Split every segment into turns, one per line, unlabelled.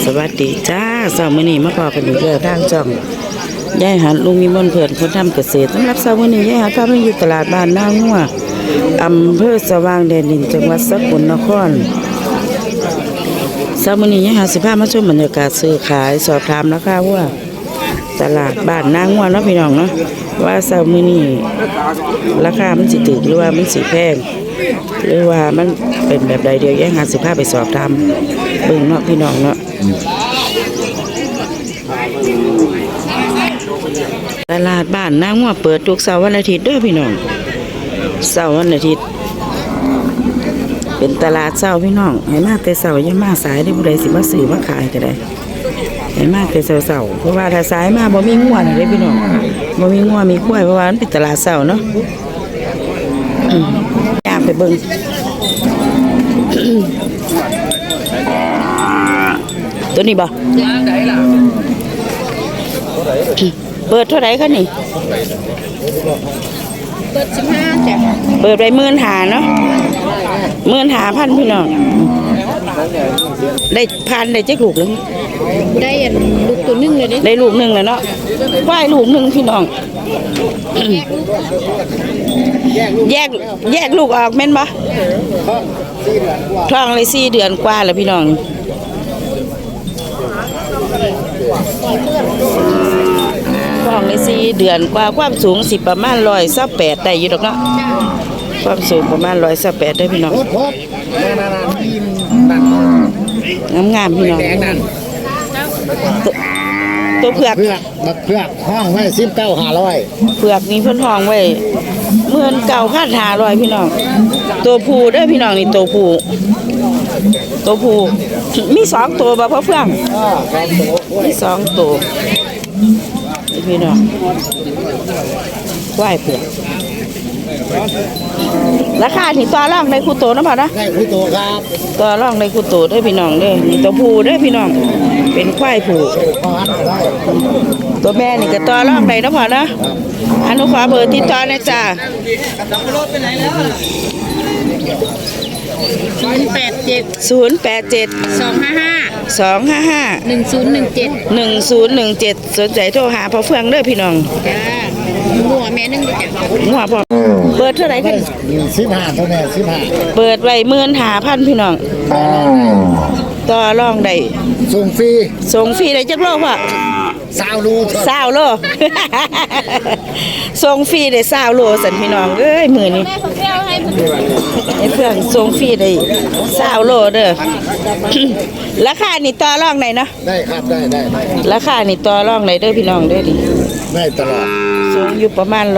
สวัสดีจ้าเสาร์มื้อนี้มาพอกันอีกแล้วทางช่องยายหันลุงมีมนเพื่อนคนทำเกษตรสำหรับเสาร์มื้อนี้ยายหันพาไปอยู่ตลาดบ้านนางัวอำเภอสว่างแดนดินจังหวัดสกลนครเสาร์มื้อนี้ยายหันสิพามาชมบรรยากาศซื้อขายสอบถามราคาว่าตลาดบ้านนางัวเนาะพี่น้องเนาะว่าเสาร์มื้อนี้ราคามันสิถูกหรือว่ามันสิแพงหรือว่ามันเป็นแบบใดเดียวยายหันสิพาไปสอบถามเบิ่งเนาะพี่น้องเนาะตลาดบ้านนางัวเปิดทุกเสาร์วันอาทิตย์เด้อพี่น้องเสาร์วันอาทิตย์เป็นตลาดเสาร์พี่น้องให้มาแต่เสาร์อย่ามาสายได้ผู้ใดสิมาซื้อมาขายก็ได้ให้มาแต่เสาร์เพราะว่าถ้าสายมาบ่มีงัวเด้พี่น้องบ่มีงัวมีควายเพราะว่ามันเป็นตลาดเสาร์เนาะอยากไปเบิ่งตัวนี้บ่เปิดเท่าไหร่คะนี่
เปิด15จ้ะ
เปิดไป15,000เนาะ15,000พี่น้องได้พันได้จักลูกแล้ว
ได้ลูกตัวนึงเลย
ได้ลูกนึงแล้วเนาะควายลูกนึงพี่น้องแยกลูกออกแม่นบ่ท้องเลย4 เดือนกว่าแล้วพี่น้องท้องเลย4 เดือนกว่าความสูงสิประมาณ128ได้อยู่ดอกเนาะความสูงประมาณ128ได้พี่น้องงามๆพี่น้องตัวเผือก
ห้องไว้19,500
เผือกนี่เพิ่นห้องไว้19,500พี่น้องตัวผู้เด้อพี่น้องนี่ตัวผู้มี2ตัวบ่พ่อเฟื่องมี2ตัวพี่น้องควายเผือกราคาที่ต่อรองในคู่โตนะพ่อนะ
ได้คู่โตครับ
ต่อรองในคู่โตเด้อพี่น้องเด้อนี่ตัวผู้เด้อพี่น้องเป็นควายผู้ตัวแม่นี่ก็ต่อรองได้นะพ่อนะอนุขอเบอร์ติดต่อนะจ้า
087 255 1017
1017สนใจโทรหาพ่อเฟืองเด้อพี่น้อง
จ้าหัวแม่นึงจ้ะ
หัวพ่อเปิดเท่าไหร่กัน
15เท่านั้น15
เปิดไว้15,000พี่น้องต่อรองได้
ส่ง
ฟรีได้จักโลพ่อ
20 โล
ส่งฟรีได้20 โลสั่นพี่น้องเอ้ยมื้อนี้ไอ้เพื่อนส่งฟรีได้20 โลเด้อราคานี่ต่อรองได้เนาะ
ได้ครับได้
ราคานี่ต่อรองได้เด้อพี่น้องเด้อดิ
ได้ตลอด
สูงอยู่ประมาณ130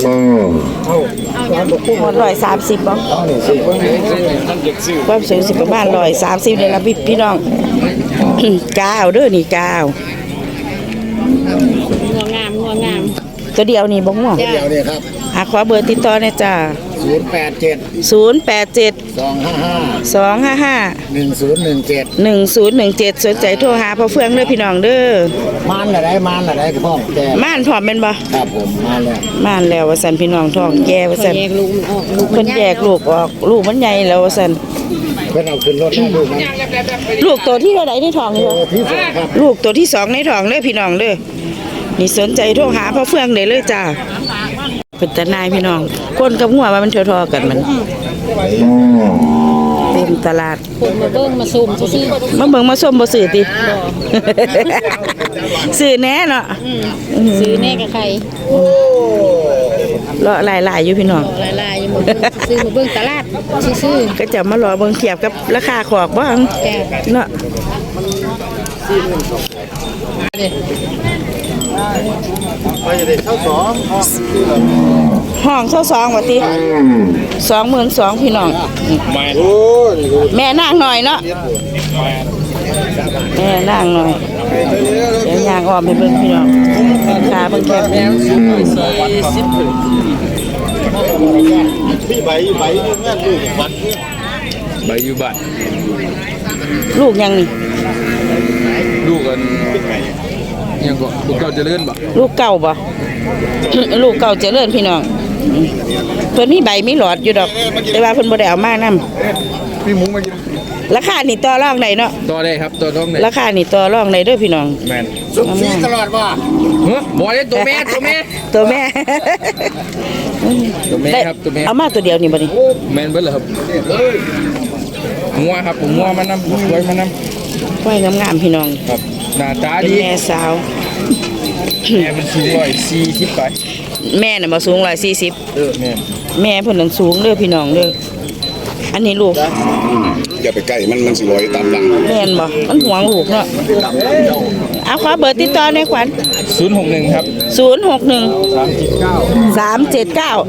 บ่ความสูงสิประมาณ130นี่ล่ะพี่น้องกาวเด้อนี่กาว
งัวงาม
ตัวเดียวนี่บ่ง่วง
เดียวนี่ครับ
ขอเบอร์ติดต่อหน่อยจ้า
087 255 1017
สนใจโทรหาพ่อเฟืองเด้อพี่น้องเด้อ
ม่านอะไรพ่อแก่
ม่านพร้อมแม่นบ่
ครับผม
ม่านแล้วว่าซั่นพี่น้องท้องแก่ว่าซั่นเพิ่นแยกลูกออกลูกมันใหญ่แล้วว่าซั่น
เพิ่นเอาขึ้นรถให้ลูกมัน
ลูกตัวที่เท่าใดในท้องนี่
ครับ
ลูกตัวที่2ในท้องเด้อพี่น้องเด้อนี่สนใจโทรหาพ่อเฟืองได้เลยจ้าเป็นตาหนายพี่น้องคนกับหัวว่ามันทอๆกันมันเต็มตลาด
คนมาเบิ่งมาซุ่มซื่อ
มาเบิ่งมาส้มบ่ซื้อติซื้อแน่เนาะ
ซื้อแน่กับใคร
รอหลายๆอยู่พี่น้อง
หลายๆอยู่หมดซื้อมาเบิ่งตลาดซื่อ
ก็จะมารอเบิ่งเทียบกับราคาขอกบ่เนาะห้อง22ว่าติ22,000พี่น้องแม่นางหน่อยเนาะแม่นางหน่อยเดี๋ยวยางออมให้เบิ่งพี่น้องขาเบิ่งแคบ
พี่ใบงานลูกวัด
ใบอยู่บ้าน
ลูกยังนี่
ลูกกันยังก็ลูกเก่าเจริญบ่
ลูกเก่าบ่ลูกเก่าเจริญพี่น้องเพิ่นมีใบมีหลอดอยู่ดอกแต่ว่าเพิ่นบ่ได้เอามานำ
พี่หมูมากิน
ราคานี่ต่อรองได้เนาะ
ตัวได้ครับตัวท้องได้
ราคานี่ต่อรองได้เด้อพี่น้อง
แมน
สุกฟรีตลอดว่า
เฮ้ยบอยตัวแม่ตัวแม่
ตัวแม่
ตัวแม่ครับตัวแม่
เอามาตัวเดียวนี่บ่นี่
แมนเบิ้ลเหรอครับงัวครับผมงัวมันน้ำไว้มันน้
ควายงามๆพี่น้อง
ำครับหน้าตา
เป็น
ดี
แม่สาว
แม่มันสูง140ไป
แม่น่ะบ่สูง140
แม่น
แม่เพิ่นนั่นสูงเด้อพี่น้องเด้ออันนี้ลูก
อย่าไปใกล้มันสิลอยตามหลัง
แม่นบ่มันห่วงลูกเนาะเอาขอเบอร์ติดต่อหน่อยขวัญ
061ครับ
061 379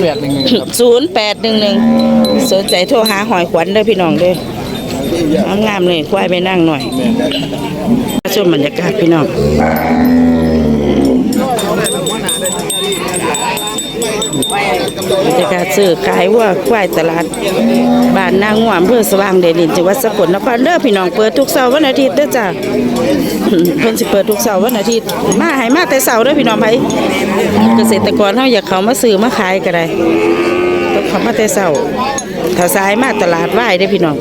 0811
0811สนใจโทรหาหอยขวัญเด้อพี่น้องเด้องามๆเลยควายไปนั่งหน่อยชมบรรยากาศพี่น้องบรรยากาศซื้อขายวัวควายตลาดบ้านนางง่วมอำเภอสว่างแดนดินจังหวัดสกลนครเด้อพี่น้องเปิดทุกเสาร์วันอาทิตย์เด้อจ้ะ เพิ่นสิเปิดทุกเสาร์วันอาทิตย์มาให้มาแต่เสาร์เด้อพี่น้องไผเกษตรกรเฮาอยากเข้ามาซื้อมาขายก็ได้ต้องเข้ามาแต่เสาร์ถ้าสายมาตลาดวายเด้อพี่น้อง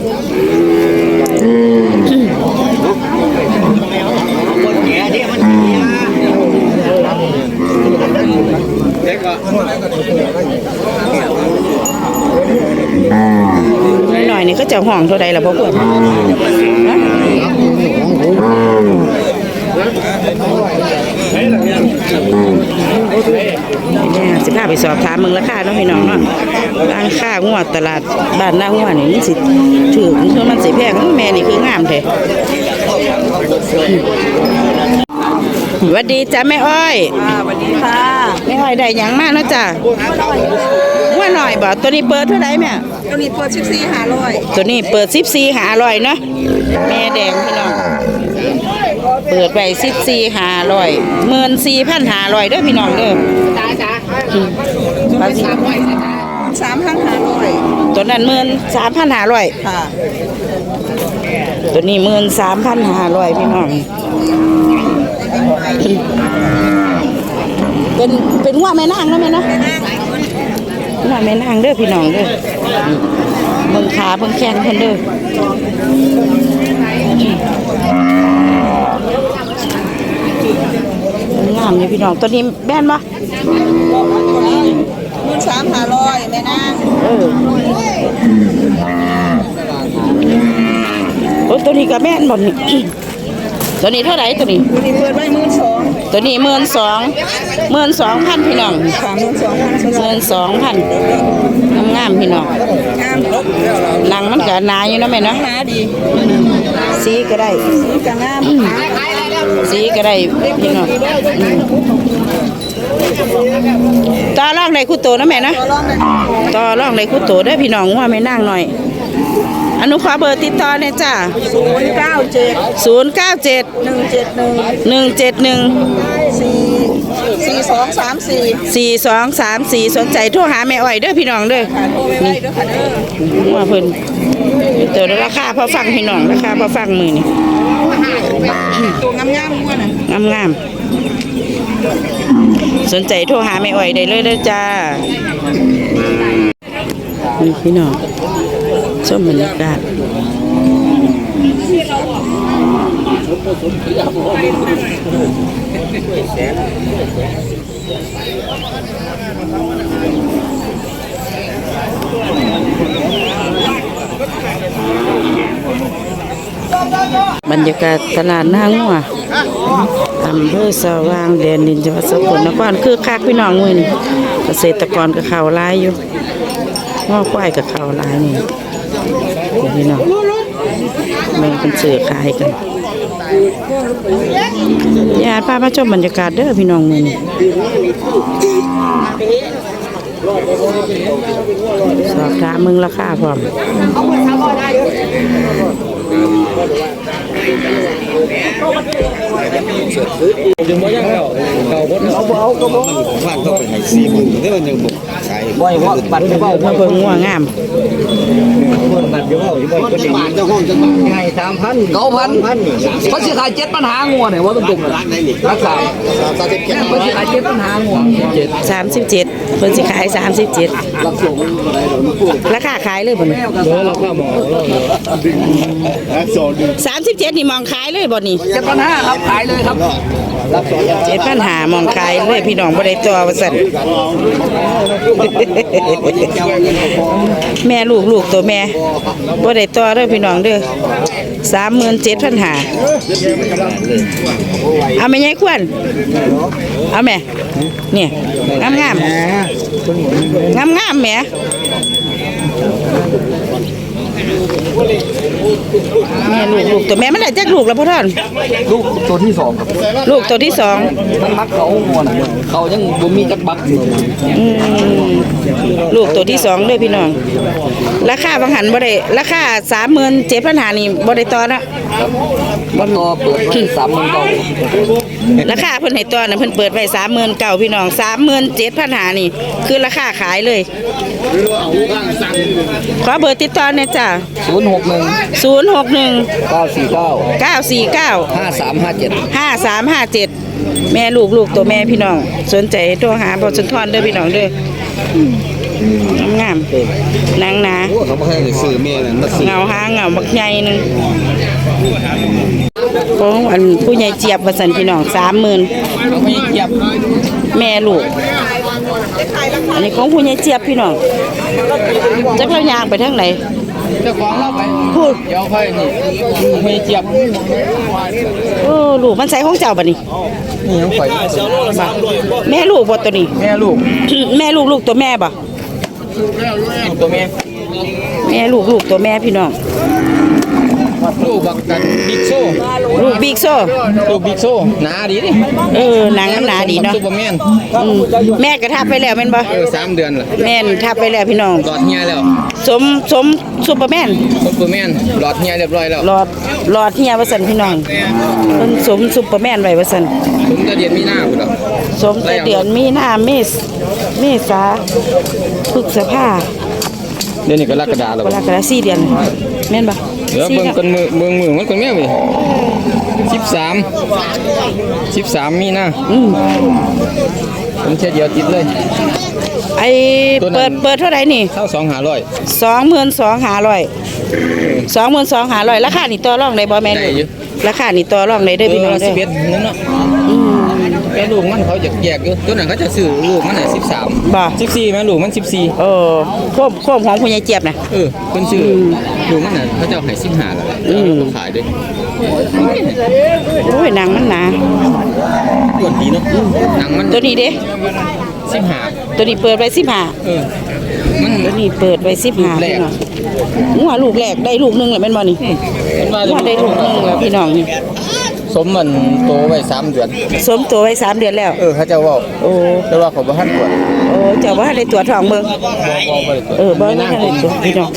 หน่อยๆนี่ก็จะห้องเท่าใดล่ะพ่อเพิ่นฮะเนี่ยสิพาไปสอบถามมึงราคาเนาะพี่น้องเนาะร้านค้างวดตลาดบ้านหน้างวดนี่มันสิถูกคือมันสิแพงแม่นี่คืองามแท้สวัสดีจ้ะแม่อ้อยสวัสดีค่ะแม่อ้อยได้หยังมาเนาะจ้ะว่าหน่อยบ่ตัวนี้เปิดเท่าไหร่แม่
ตัวนี้เปิด14,500
ตัวนี้เปิด14,500เนาะแม่แดงพี่น้องเปิดไป14,500 14,500เด้อพี่น้องเด้อ
จ้า
ตัวนั้น13,500
ค่ะ
ตัวนี้13,500พี่น้องเป็นว่าแม่นางเนาะแม่เนาะว่าแม่นางเด้อพี่น้องเด้อเบิ่งขาเบิ่งแข้งเพิ่นเด้องามนี่พี่น้องตัวนี้แม่นบ่
13,500แม่นาง
โอ้ตัวนี้ก็แม่นบ่นี่ ตัวนี้เท่าไหร่ตัวนี้
ตัวนี้เปิดไว้12,000
ตัวนี้12,000พี่น้อง 12,000งามๆพี่น้อง
งาม
หนังมันก็หนาอยู่เนาะแม่เนาะ
หนาดี
สีก็ได้
ก็งาม
สีก็ได้พี่น้องต่อรองได้คู่โตนะแม่เนาะ
ตัวร้องได้
ต่อรองได้คู่โตได้อพี่น้องว่าไม่นั่งหน่อยอนุขอเบอร์ติดต่อเนี่ยจ้า
097
097
171 4234
4234สนใจโทรหาแม่อ้อยเด้อพี่น้องเด้อ
โทรไปไว้เด้อค่ะเด้อ
ว่าเพิ่นเจอราคาพอฟังพี่น้องราคาพอฟังมือนี่
ตัวงามๆมั่วน่ะ
งามๆสนใจโทรหาแม่อ้อยได้เลยเด้อจ้านี่พี่น้องชมบรรยากาศบรรยากาศตลาดหน้างัวอำเภอสว่างแดนดินจังหวัดสกลนครคือคักพี่น้องมื้อนี้เกษตรกรก็เข้าหลายอยู่ง้อควายก็เข้าหลายนี่พี่น้องแม่งเป็นซื้อขายกันญาติพามาชมบรรยากาศเด้อพี่น้องมื้อนี้สอบถามมึงราคาพร้อม
บ้านก็เป็นไฮซีมันได้มันยังบุกขาย
มาเบิ่งงัวงาม
คนบัดอยู่อยู่บ่คนบาทเจ้าห้องจังไง3,000
9,000เขาสิขาย7ปัญหางัวเนี่ยว่าตรงๆรักษาเขาสิขาย7ปัญหางัว
37เพิ่นสิขาย37ราคาขายเลยบ่นี่
เราก็หมอ
37นี่มองขายเลยบ่นี่
7ปัญหาครับขายเลยครับ
7,500มองขายเลยพี่น้องบ่ได้ตัวว่าซั่น แม่ลูกตัวแม่บ่ได้ตัวเด้อพี่น้องเด้อ 37,500เอาแม่ใหญ่ควรเอาแม่เนี่ยงามๆแม่แม่ลูกตัวแม่มันได้จักลูกแล้วพ่อท่าน
ลูกตัวที่2ครับ
ลูกตัวที่สอง
มันมักเขางัวน่ะเขายังบ่มีจักบัก
ลูกตัวที่สองเด้อพี่น้องราคาบางหันบ่ได้ราคา37,500นี่บ่ได้ต่อนะ
มันต่อเปิดไว้39,000
ราคาเพิ่นให้ต่อน่ะเพิ่นเปิดไว้39,000พี่น้อง37,500นี่คือราคาขายเลยขอเบอร์ติดต่อหน่อยจ้ะ061
949
949
5357
แม่ลูกตัวแม่พี่น้องสนใจโทรหาบ่สุนทรเด้อพี่น้องเด้องามๆนางหนา
เขาบ่ให้ซื้อแม่นั่นมาซื้อ
เงาหางเงาบักใหญ่นึงของอันผู้ใหญ่เจี๊ยบว่าซั่นพี่น้อง 30,000
เขาไม่เกียบ
แม่ลูกอันนี้ของผู้ใหญ่เจี๊ยบพี่น้องจักเราย่างไปทางไหน
เจ้าของเราไป
พูด
เดี๋ยวค่อยนี่ไม่เกียบ
โอ้ลูกมันใส่ของเจ้าบัดนี้
นี่ยังข่อย
แม่ลูกบ่ตัวนี้
แม่ลูก
แม่ลูกตัวแม่บ่
ตัวแม่
แม่ลูกตัวแม่พี่น้อง
ลูกบักกันบิ๊กโซ่
ลูกบิ๊กโซ่
ลูกบิ๊กโซ่หนาดีดิ
หนังมันหนาดีเนาะ
ซุปเปอร์แมน
แม่ก็ทับไปแล้วแม่นบ่
3 เดือนล่ะ
แม่นทับไปแล้วพี่น้อง
หลอดเฮียแล้ว
สมซุปเปอร์แมน
ซุปเปอร์แมนหลอดเฮียเรียบร้อยแล้ว
หลอดเฮียว่าซั่นพี่น้องเพิ่นสมซุปเปอร์แมนไว้ว่าซั่น
ผมจะเรียนมีหน้าพุ่นดอก
สมแต่เดือนมีนาเมษาพฤษภา
เดี๋ยวนี้ก็กรกฎาแล้ว
กรกฎาคม4 เดือนแม่นบ่
เดี๋ยวเบิ่งกันมือมันคนแม่เว้ย13มีหน้าผมแค่เดียวติดเลย
ไอ้เปิดเท่าไหร่นี่
เท่า2,500
22,500ราคานี่ต่อรองได้บ่แม่น
ได้อยู่
ราคานี่ต่อรองได้เด้อพี่น้องเด้อ
11นั่นเนาะแม่ลูกมันเขาจะแยกอยู่ตัวนั้นเขาจะซื้อลูกมันน่ะ13
บ่
14แม่ลูกมัน14
โคมของผู้ใหญ่เจี๊ยบนะ
เพิ่นซื้อลูกมันน่ะเขาจะให้15แล้วแหละเขาขายด้วย
โอ้ยหนังมันหนา
ตัวดีเนาะหนังมัน
ตัวนี้เด้
15
ตัวนี้เปิดไว้15
มัน
ตัวนี้เปิดไว้15พี่น้องงัวลูกแรกได้ลูกนึงแล้วแม่นบ่นี่
มันว่า
งัวได้ลูกนึงแล้วพี่น้องนี่
สมมันโตไว้3 เดือน
สมตัวไว้3 เดือนแล้ว
เขาจะเว้า
โอ้
แต่ว่าเขาบ่ทันตรวจ
เจ้าว่าได้ตัวทองเบิ่ง
บ่ได้ตรวจ
บ่ได้ตัวพี่น้อง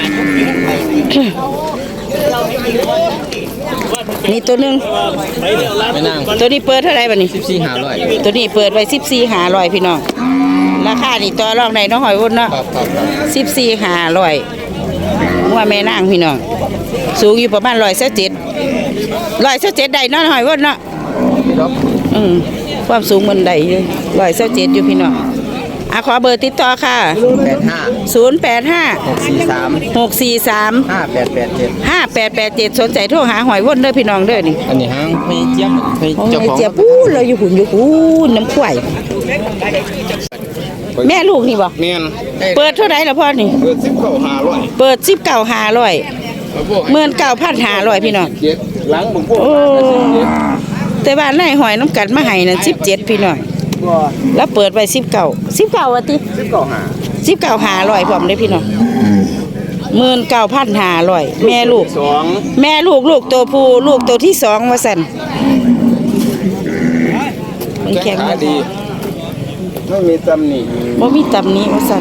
นี่ตัวนึง
ไม่นาง
ตัวนี้เปิดเท่าไหร่บัดนี้
14,500
ตัวนี้เปิดไว้14,500พี่น้องราคานี่ต่อรองได้เนาะหอยวุ่นเนาะ 14,500ว่าแม่นางพี่น้องสูงอยู่ประมาณ127ได้เนาะหอยวุ่นเนาะความสูงมันได้อยู่127อยู่พี่น้องขอเบอร์ติดต่อค่ะ085 643 5887สนใจโทรหาหอยว่นเด้อพี่น้องเด้อนี่
อันนี้หางไม่เจี๊ยบไม่
ของ
เจ้าของ
เจี๊ยบปู้เราอยู่หุ่นน้ำข่อยแม่ลูกนี่บ่
แม่น
เปิดเท่าไหร่ล่ะพ่อนี่
เปิด19,500
เปิด19,500พี่น้อง
หลังบ่พวก
โอ้แต่ว่านายหอยน้ำกัดมาให้นั่น17พี่น้องแล้วเปิดไว้19ว่าติ19,500พร้อมเด้อพี่น้อง19,500แม่ลูกตัวผู้ลูกตัวที่2ว่าซั่นมันแข็งดี
ไม่มีตำหนิ
บ่มีตำหนี้ว่าซั่น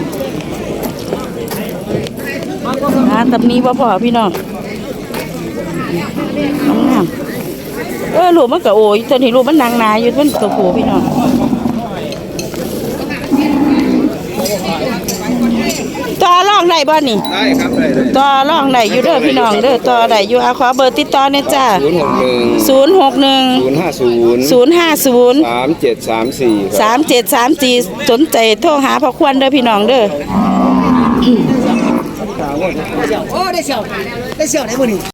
ตำหนี้บ่พอพี่น้องงามลูกมันก็โอ้ยตอนนี้ลูกมันนางนาอยู่มันตัวผู้พี่น้องต่อรองได้บ่นี่
ได้ครับได้ได้
ต่อรองได้อยู่เด้อพี่น้องเด้อต่อได้อยู่เอาขอเบอร์ติดต่อเนี่ยจ้า
061
061
050
050
3734
3734สนใจโทรหาพ่อควรเด้อพี่น้องเด้อ
โอ้ได้เสี่ยวได้เสี่ยวไหนมื้อนี้